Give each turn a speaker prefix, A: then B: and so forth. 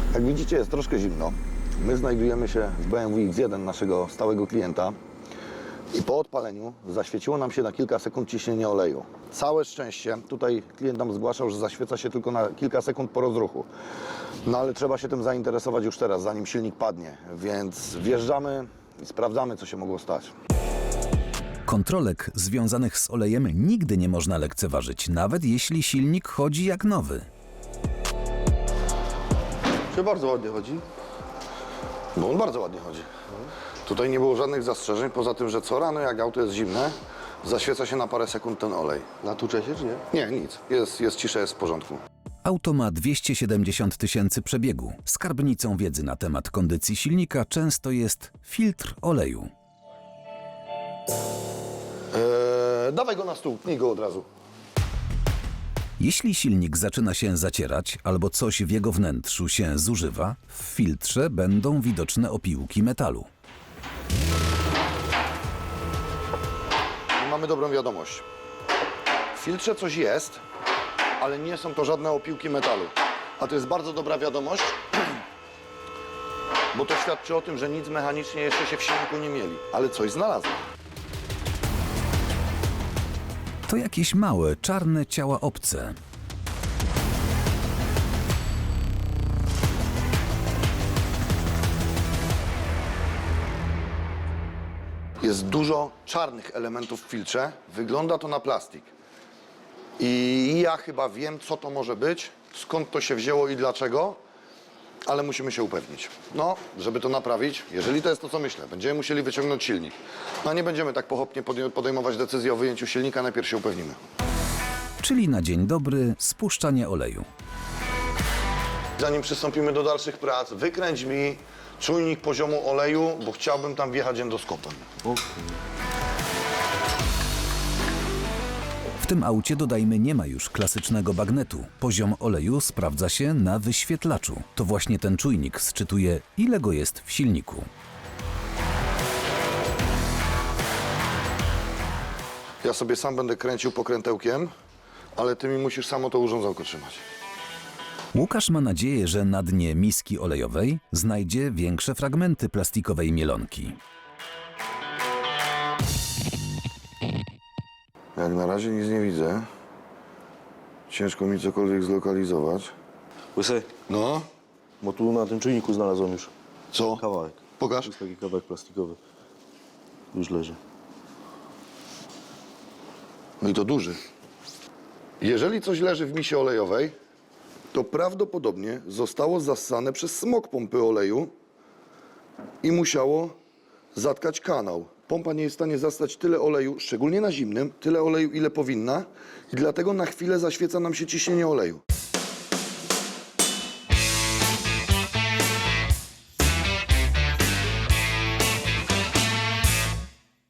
A: Jak widzicie, jest troszkę zimno. My znajdujemy się w BMW X1 naszego stałego klienta i po odpaleniu zaświeciło nam się na kilka sekund ciśnienie oleju. Całe szczęście, tutaj klient nam zgłaszał, że zaświeca się tylko na kilka sekund po rozruchu. No ale trzeba się tym zainteresować już teraz, zanim silnik padnie, więc wjeżdżamy i sprawdzamy, co się mogło stać.
B: Kontrolek związanych z olejem nigdy nie można lekceważyć, nawet jeśli silnik chodzi jak nowy.
C: Czy bardzo ładnie chodzi?
A: No on bardzo ładnie chodzi. Tutaj nie było żadnych zastrzeżeń, poza tym, że co rano, jak auto jest zimne, zaświeca się na parę sekund ten olej.
C: Natłucze się, czy nie?
A: Nie, nic. Jest cisza, jest w porządku.
B: Auto ma 270 000 przebiegu. Skarbnicą wiedzy na temat kondycji silnika często jest filtr oleju.
A: Dawaj go na stół, pnij go od razu.
B: Jeśli silnik zaczyna się zacierać albo coś w jego wnętrzu się zużywa, w filtrze będą widoczne opiłki metalu.
A: I mamy dobrą wiadomość. W filtrze coś jest, ale nie są to żadne opiłki metalu. A to jest bardzo dobra wiadomość, bo to świadczy o tym, że nic mechanicznie jeszcze się w silniku nie mieli, ale coś znalazłem.
B: To jakieś małe, czarne ciała obce.
A: Jest dużo czarnych elementów w filtrze. Wygląda to na plastik. I ja chyba wiem, co to może być, skąd to się wzięło i dlaczego, ale musimy się upewnić. No, żeby to naprawić, jeżeli to jest to, co myślę, będziemy musieli wyciągnąć silnik. No nie będziemy tak pochopnie podejmować decyzji o wyjęciu silnika, najpierw się upewnimy.
B: Czyli na dzień dobry spuszczanie oleju.
A: Zanim przystąpimy do dalszych prac, wykręć mi czujnik poziomu oleju, bo chciałbym tam wjechać endoskopem.
B: W tym aucie, dodajmy, nie ma już klasycznego bagnetu. Poziom oleju sprawdza się na wyświetlaczu. To właśnie ten czujnik sczytuje, ile go jest w silniku.
A: Ja sobie sam będę kręcił pokrętełkiem, ale ty mi musisz samo to urządzonko trzymać.
B: Łukasz ma nadzieję, że na dnie miski olejowej znajdzie większe fragmenty plastikowej mielonki.
A: Jak na razie nic nie widzę. Ciężko mi cokolwiek zlokalizować.
C: Łysy,
A: No,
C: bo tu na tym czujniku znalazłem już
A: co?
C: kawałek.
A: Pokaż.
C: To jest taki kawałek plastikowy. Już leży.
A: No i to duży. Jeżeli coś leży w misie olejowej, to prawdopodobnie zostało zassane przez smok pompy oleju i musiało zatkać kanał. Pompa nie jest w stanie zastać tyle oleju, szczególnie na zimnym, tyle oleju, ile powinna i dlatego na chwilę zaświeca nam się ciśnienie oleju.